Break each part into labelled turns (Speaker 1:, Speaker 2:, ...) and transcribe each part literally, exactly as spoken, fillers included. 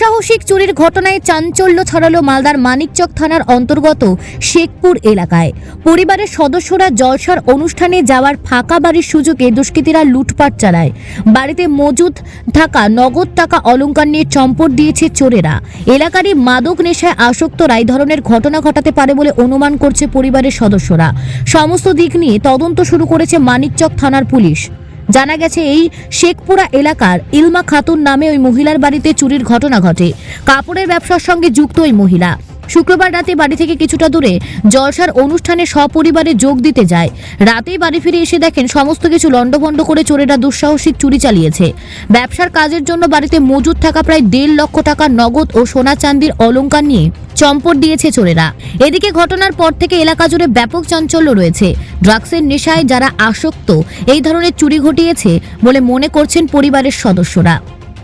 Speaker 1: দুঃসাহসিক চুরির ঘটনায় চাঞ্চল্য ছড়ালো মালদার মানিকচক থানার অন্তর্গত শেখপুর এলাকায়। পরিবারের সদস্যরা জলসার অনুষ্ঠানে যাওয়ার ফাঁকা বাড়ির সুযোগে দুষ্কৃতীরা লুটপাট চালায়। বাড়িতে মজুদ থাকা নগদ টাকা অলংকার নিয়ে চম্পট দিয়েছে চোরেরা। এলাকারই মাদক নেশায় আসক্তরা এই ধরনের ঘটনা ঘটাতে পারে বলে অনুমান করছে পরিবারের সদস্যরা। সমস্ত দিক নিয়ে তদন্ত শুরু করেছে মানিকচক থানার পুলিশ। জানা গেছে এই শেখপুরা এলাকার ইলমা খাতুন নামে ওই মহিলার বাড়িতে চুরির ঘটনা ঘটে। কাপড়ের ব্যবসার সঙ্গে যুক্ত ওই মহিলা শুক্রবার রাতে বাড়ি থেকে কিছুটা দূরে জলসার অনুষ্ঠানে সপরিবারে যোগ দিতে যায়। রাতেই বাড়ি ফিরে এসে দেখেন সমস্ত কিছু লণ্ডভণ্ড করে চোরেরা দুঃসাহসিক চুরি চালিয়েছে। ব্যবসার কাজের জন্য বাড়িতে মজুদ থাকা প্রায় দেড় লক্ষ টাকা নগদ ও সোনা চাঁদির অলংকার নিয়ে চম্পট দিয়েছে চোরেরা। এদিকে ঘটনার পর থেকে এলাকা জুড়ে ব্যাপক চাঞ্চল্য রয়েছে। ড্রাগসের নেশায় যারা আসক্ত এই ধরনের চুরি ঘটিয়েছে বলে মনে করছেন পরিবারের সদস্যরা।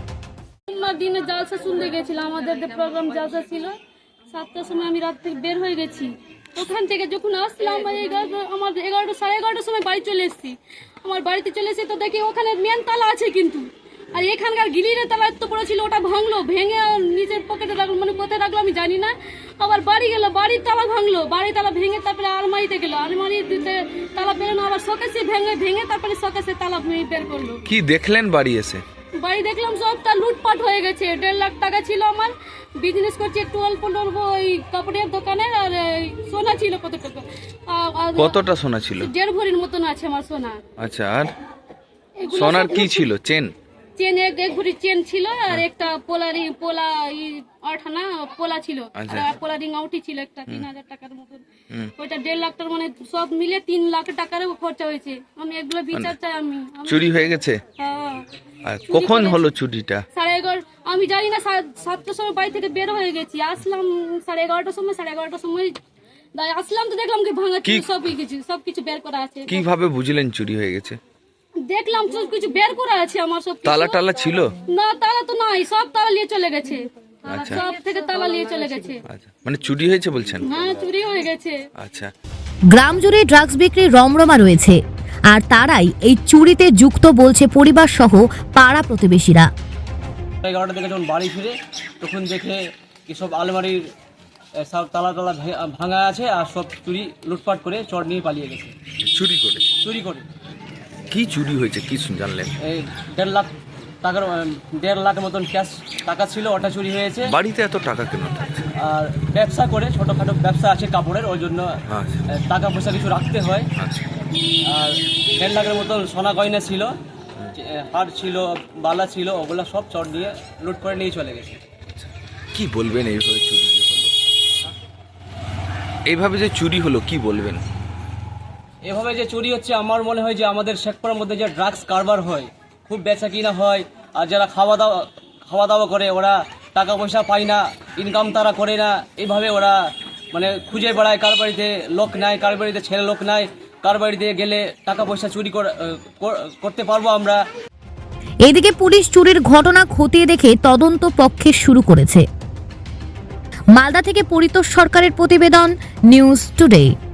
Speaker 2: দিনে জালসা শুনতে গেছিলাম, আমাদের যে প্রোগ্রাম জালসা ছিল, সাতটার সময় আমি রাত থেকে বের হয়ে গেছি। ওখান থেকে যখন আসলাম এগারোটা আমার এগারোটা সাড়ে এগারোটার সময় বাড়ি চলে এসেছি। আমার বাড়িতে চলে এসে তো দেখি ওখানে মেন তালা আছে, কিন্তু আর এখানকার গিলিরের তালা এত পড়ে ছিল, ওটা ভাঙলো, ভেঙে নিজের পকেটে রাখলো, মানে কোথায় রাখলো আমি জানি না। আবার বাড়ি গেলো, বাড়ির তালা ভাঙলো, বাড়ির তালা ভেঙে তারপরে আলমারিতে গেলো, আলমারিতে তালা বেরোনো, আবার শোকেসে ভেঙে ভেঙে তারপরে শোকেসে তালা বের করলো।
Speaker 3: কি দেখলেন বাড়ি এসে?
Speaker 2: বাড়ি দেখলাম সবটা লুটপাট হয়ে গেছে। দেড় লাখ টাকা ছিল, আমার বিজনেস করছি একটু অল্প অল্প ওই কাপড়ের দোকানে, আর সোনা ছিল কত টাকা,
Speaker 3: কতটা সোনা ছিল?
Speaker 2: দেড় ভরির মতন আছে আমার সোনা।
Speaker 3: আচ্ছা, আর সোনার কি ছিল? চেন
Speaker 2: চেন এক এক ভরি চেন ছিল, আর একটা পোলারি পোলা আঠানা পোলা ছিল, আর পোলারিং আউটি ছিল একটা তিন হাজার টাকার মতন। ওইটা দেড় লাখ টাকার, মানে সব মিলে তিন লাখ টাকার খরচা হয়েছে। আমি এগুলো বিচার চাই। আমি
Speaker 3: চুরি হয়ে গেছে।
Speaker 2: হ্যাঁ।
Speaker 3: আর কখন হলো চুরিটা?
Speaker 2: সাড়ে এগারো আমি জানি না, সাতটার সময় বাড়ি থেকে বের হয়ে গেছি। আসলাম সাড়ে এগারোটার সময়, সাড়ে এগারোটার সময় আসলাম তো দেখলাম কি ভাঙা ছিল, সব কিছু সব কিছু বের করা আছে।
Speaker 3: কিভাবে বুঝলেন চুরি হয়ে গেছে?
Speaker 2: দেখলাম সব কিছু বের করা আছে আমার সব।
Speaker 3: তালা টালা ছিল
Speaker 2: না? তালা তো নাই, সব তালা নিয়ে চলে গেছে। আচ্ছা, সব থেকে তালা নিয়ে চলে গেছে।
Speaker 3: আচ্ছা, মানে চুরি হয়েছে বলছেন?
Speaker 2: হ্যাঁ, চুরি হয়ে গেছে।
Speaker 3: আচ্ছা,
Speaker 1: গ্রাম জুড়ে ড্রাগস বিক্রির রমরমা রয়েছে, আর তারাই এই চুরিতে যুক্ত বলছে পরিবার সহ পাড়া প্রতিবেশীরা।
Speaker 4: এগারোটা থেকে যখন বাড়ি ফিরে তখন দেখে এসব আলমারির সব তালা তালা ভাঙা আছে, আর সব চুরি লুটপাট করে চট নিয়ে পালিয়ে গেছে।
Speaker 3: চুরি করে?
Speaker 4: চুরি করে।
Speaker 3: কি চুরি হয়েছে কি জানলেন?
Speaker 4: এই দেড় লাখ টাকার দেড় লাখ মতন ক্যাশ টাকা ছিল, ওটা চুরি হয়েছে।
Speaker 3: বাড়িতে এত টাকা কেন থাকছে?
Speaker 4: আর ব্যবসা করে, ছোটোখাটো ব্যবসা আছে কাপড়ের, ওই জন্য টাকা পয়সা কিছু রাখতে হয়। আর দেড় লাখের মতন সোনা গয়না ছিল, হার ছিল, বালা ছিল, ওগুলো সব চট দিয়ে লুট করে নিয়ে চলে গেছে।
Speaker 3: কি বলবেন এইভাবে চুরি যে হলো? এইভাবে যে চুরি হলো কি বলবেন?
Speaker 4: এভাবে যে চুরি হচ্ছে, আমার মনে হয় যে আমাদের শেখপুরের মধ্যে যে ড্রাগস কারবার হয়, খুব বেচা কিনা হয়, আর যারা খাওয়া দাওয়া খাওয়া দাওয়া করে ওরা টাকা পয়সা পায় না, ইনকাম তারা করে না, এইভাবে ওরা মানে খুঁজে বেড়ায়। কার বাড়িতে লোক নাই, কার বাড়িতে ছেলে লোক নাই, কার বাড়িতে গেলে টাকা পয়সা চুরি করতে পারবো আমরা।
Speaker 1: এদিকে পুলিশ চুরির ঘটনা খতিয়ে দেখে তদন্ত পক্ষে শুরু করেছে। মালদা থেকে পরিতোষ সরকারের প্রতিবেদন, নিউজ টুডে।